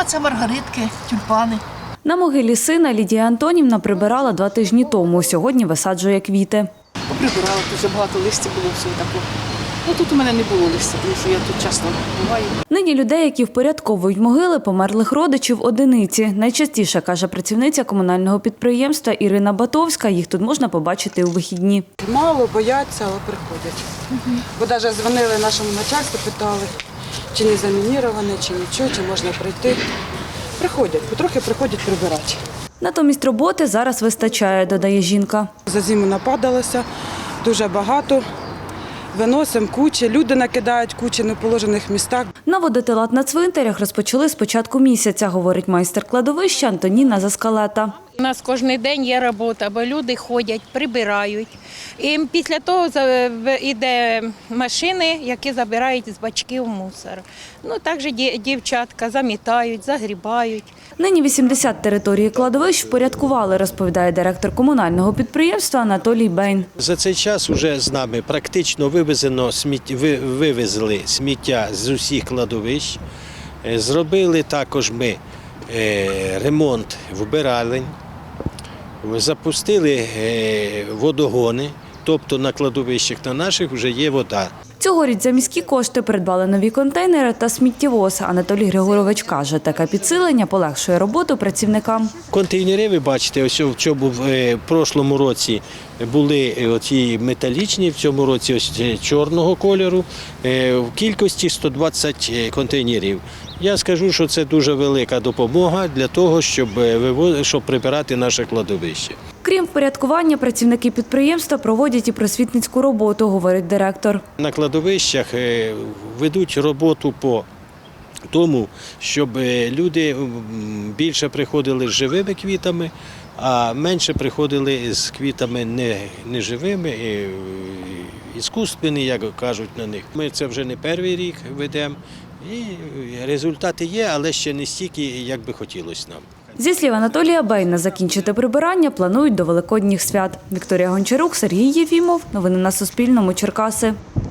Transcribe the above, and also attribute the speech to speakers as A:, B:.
A: А це маргаритки, тюльпани.
B: На могилі сина Лідія Антонівна прибирала 2 тижні тому. Сьогодні висаджує квіти.
A: Поприбирала, дуже багато листя було всього такого. Ну тут у мене не було листя, тому що я тут часто буваю.
B: Нині людей, які впорядковують могили померлих родичів, одиниці. Найчастіше, каже працівниця комунального підприємства Ірина Батовська, їх тут можна побачити у вихідні.
C: Мало, бояться, але приходять. Бо навіть дзвонили нашому начальству, питали, чи не замініроване, чи нічого, чи можна прийти. Приходять, потрохи приходять прибирати.
B: Натомість роботи зараз вистачає, додає жінка.
C: За зиму нападалося дуже багато. Виносимо кучі, люди накидають кучі в неположених містах.
B: Наводити лад на цвинтарях розпочали з початку місяця, говорить майстер кладовища Антоніна Заскалета.
D: У нас кожен день є робота, бо люди ходять, прибирають. І після того йде машини, які забирають з бачків мусор. Ну, також дівчатка замітають, загрібають.
B: Нині 80 територій кладовищ впорядкували, розповідає директор комунального підприємства Анатолій Бейн.
E: За цей час вже з нами практично вивезли сміття з усіх кладовищ. Зробили також ми ремонт вбиралень, запустили водогони, тобто на кладовищах на наших вже є вода.
B: Цьогоріч за міські кошти придбали нові контейнери та сміттєвоз. Анатолій Григорович каже, таке підсилення полегшує роботу працівникам.
E: Контейнери, ви бачите, ось в чому в прошлому році були оці металічні, в цьому році ось чорного кольору, в кількості 120 контейнерів. Я скажу, що це дуже велика допомога для того, щоб прибирати наше кладовище.
B: Крім впорядкування, працівники підприємства проводять і просвітницьку роботу, говорить директор.
E: На кладовищах ведуть роботу по тому, щоб люди більше приходили з живими квітами, а менше приходили з квітами неживими, іскусственні, як кажуть на них. Ми це вже не перший рік ведемо, і результати є, але ще не стільки, як би хотілося нам.
B: Зі слів Анатолія Бейна, закінчити прибирання планують до Великодніх свят. Вікторія Гончарук, Сергій Єфімов. Новини на Суспільному. Черкаси.